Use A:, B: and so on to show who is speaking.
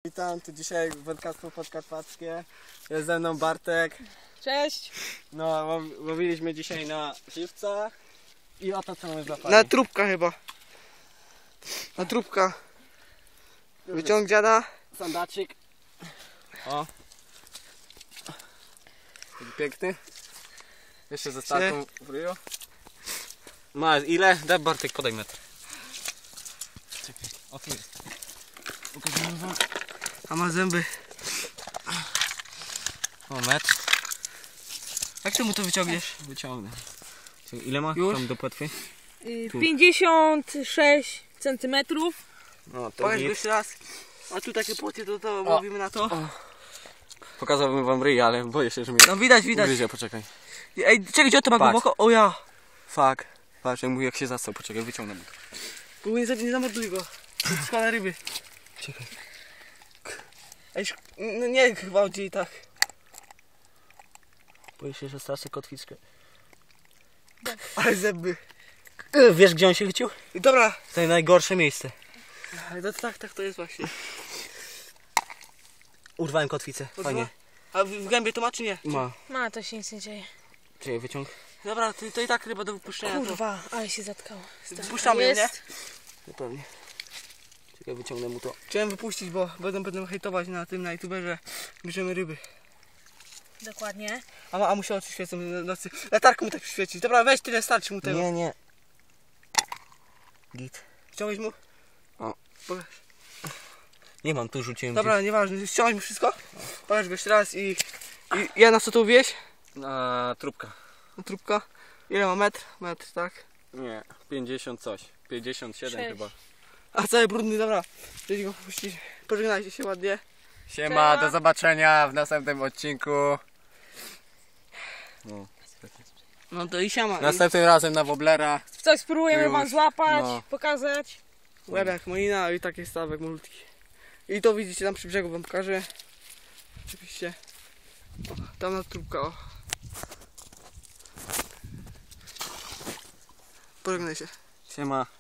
A: Witam, tu dzisiaj wędkarstwo podkarpackie. Jest ze mną Bartek.
B: Cześć!
A: No, łowiliśmy dzisiaj na żywca i oto co mamy złapali.
C: Na trubka chyba. Na trubka. Wyciąg dziada.
A: Sandaczyk. O. Taki piękny. Jeszcze ze startą w ryju. Ma ile? Daj Bartek, podaj metr. Czekaj, o tu jest. Pokażemy wam.
C: A ma zęby.
A: O, metr.
C: Jak ty mu to wyciągniesz?
A: Wyciągnę. Ile ma
C: Już?
A: tam do płetwy? Tu.
B: 56 cm.
A: No, to
C: Pokaż go
A: git.
C: jeszcze raz. A tu takie płoty, to łowimy na to.
A: Pokazałbym wam ryj, ale boję się, że mnie
C: No widać.
A: ugryzie, poczekaj.
C: Ej, czekaj, gdzie to ma
A: Patrz.
C: głęboko? O ja.
A: Fuck. Patrz, jak się zastał, poczekaj, wyciągnę mu to.
C: Bo nie zamorduj go. Składa ryby.
A: Czekaj.
C: Ej, no nie gwałci i tak.
A: Boję się, że stracę kotwiczkę.
C: Ale zęby.
A: Wiesz, gdzie on się chycił?
C: I dobra.
A: To najgorsze miejsce.
C: Ale tak to jest właśnie.
A: Urwałem kotwicę, fajnie.
C: A w gębie to ma czy nie?
A: Ma.
B: Ma, to się nic nie dzieje.
A: Czekaj, wyciąg.
C: Dobra, to i tak ryba do wypuszczenia.
B: Kurwa, ale się zatkało.
C: Wypuszczamy ją, nie?
B: Jest.
A: No pewnie. Czekaj, wyciągnę mu to.
C: Chciałem wypuścić, bo będą hejtować na tym, na youtuberze, bierzemy ryby.
B: Dokładnie.
C: A mu się oczy świecą w nocy. Latarką mu tak świeci. Dobra, weź tyle, starczy mu tego.
A: Nie. Git.
C: Ściągnąć mu?
A: O.
C: Pokaż.
A: Nie mam, tu rzuciłem.
C: Dobra, nieważne, ściągnąć mu wszystko. Pokaż go jeszcze raz i ja na co tu wieś?
A: Na trubka.
C: Na trubka. Ile ma metr? Metr, tak.
A: Nie, 50 coś. 57
B: Sześć.
A: chyba.
C: A cały brudny, dobra. Chcecie go puścić. Pożegnajcie się ładnie.
A: Siema, do zobaczenia w następnym odcinku. No.
C: No to i siama.
A: Następnym razem na woblera.
B: Coś spróbujemy
A: Już.
B: wam złapać,
A: No.
B: pokazać.
C: Łebek, malina i taki stawek malutki. I to widzicie tam przy brzegu, wam pokażę. Oczywiście. O, tam na trubka, o. Pożegnaj się.
A: Siema.